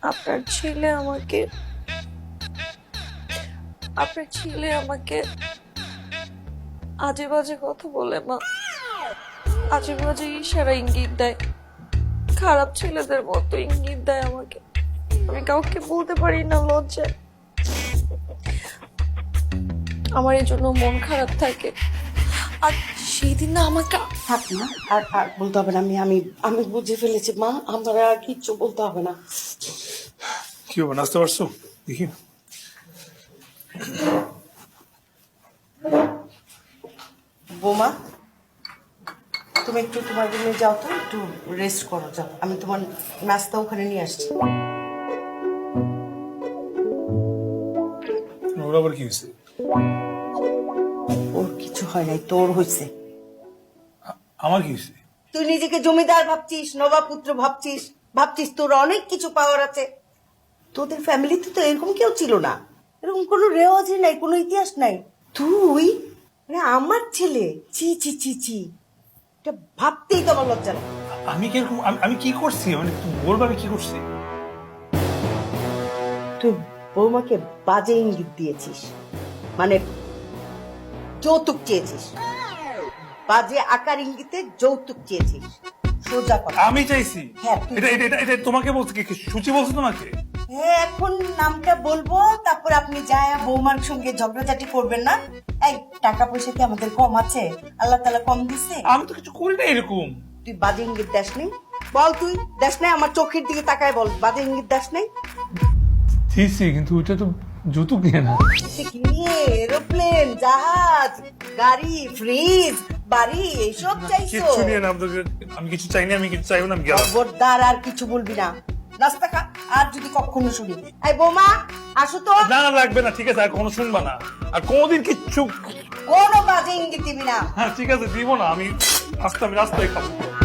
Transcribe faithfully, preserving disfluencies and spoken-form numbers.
আপনার ছেলে আমাকে আপনার ছেলে আমাকে আজে বাজে কথা বলে মা, আজে বাজে ইশারা ইঙ্গিত দেয়, খারাপ ছেলেদের মতো ইঙ্গিত দেয় আমাকে। আমি কাউকে বলতে পারি না লজ্জায়। আমার এই জন্য মন খারাপ থাকে। আর সেই দিন না আমাকে থাক না, আর আর বলতে হবে না। আমি আমি আমি বুঝে ফেলেছি মা, আমার আর কিচ্ছু বলতে হবে না। কি হবে, নাচতে পারছো? দেখি। বোমা, তুমি একটু তোমার রুমে যাও তো, একটু রেস্ট করো, যাও। আমি তোমার নাস্তা ওখানে নিয়ে আসছি। ওর আবার কি হয়েছে? ওর কিছু হয় নাই, তোর হয়েছে। আমার কি হয়েছে? তুই নিজেকে জমিদার ভাবছিস, নবাবপুত্র ভাবছিস, ভাবছিস তোর অনেক কিছু পাওয়ার আছে। তোদের ফ্যামিলিতে তো এরকম কেউ ছিল না, এরকম কোনো রেওয়াজই নাই, কোনো ইতিহাস নাই। তুই মানে আমার ছেলে, চি চি চি চি, এটা ভাবতেই তো আমার লজ্জা লাগে। আমি কিরকম, আমি- আমি কি করছি, মানে তুমি বলবো আমি কি করছি? তুই বৌমাকে বাজে ইঙ্গিত দিয়েছিস, মানে যৌতুক চেয়েছিস, বাজে আকার ইঙ্গিতে যৌতুক চেয়েছিস। সোজা কথা। আমি চাইছি। হ্যাঁ, তুই- এটা এটা এটা- এটা তোমাকে বলছে, কি সূচি বলছে তোমাকে? হ্যাঁ, এখন নামটা বলবো, তারপর আপনি যায় বৌমার সঙ্গে ঝগড়াঝাটি করবেন না। এই টাকা পয়সা কি আমাদের কম আছে? আল্লাহ তাআলা কম দিছে? আমি তো কিছু করি না এরকম। তুই বাজে ইঙ্গিত দাস নেই? বল, তুই দাস নাই? আমার চোখের দিকে তাকায় বল, বাজে ইঙ্গিত দাস নাই? দিছি, কিন্তু ওইটা তো যৌতুক নিয়ে না। সে কি নিয়ে? এরোপ্লেন, জাহাজ, গাড়ি, ফ্রিজ, বাড়ি, এইসব চাইছো? কিচ্ছু নিয়ে না। আমি তো- আমি কিছু চাইনি, আমি কিছু চাইবো না, আমি গেলাম। খবরদার আর কিছু বলবি না, নাস্তা খা। আর যদি কখনো শুনি, এই বৌমা আসো তো, না না, লাগবে না, ঠিক আছে, আর কোনো শুনবা না, আর কোনোদিন কিচ্ছু। কোনো বাজে ইঙ্গিত দিবি না। হ্যাঁ ঠিক আছে, দিব না। আমি আস্তে আমি রাস্তায় খাবো।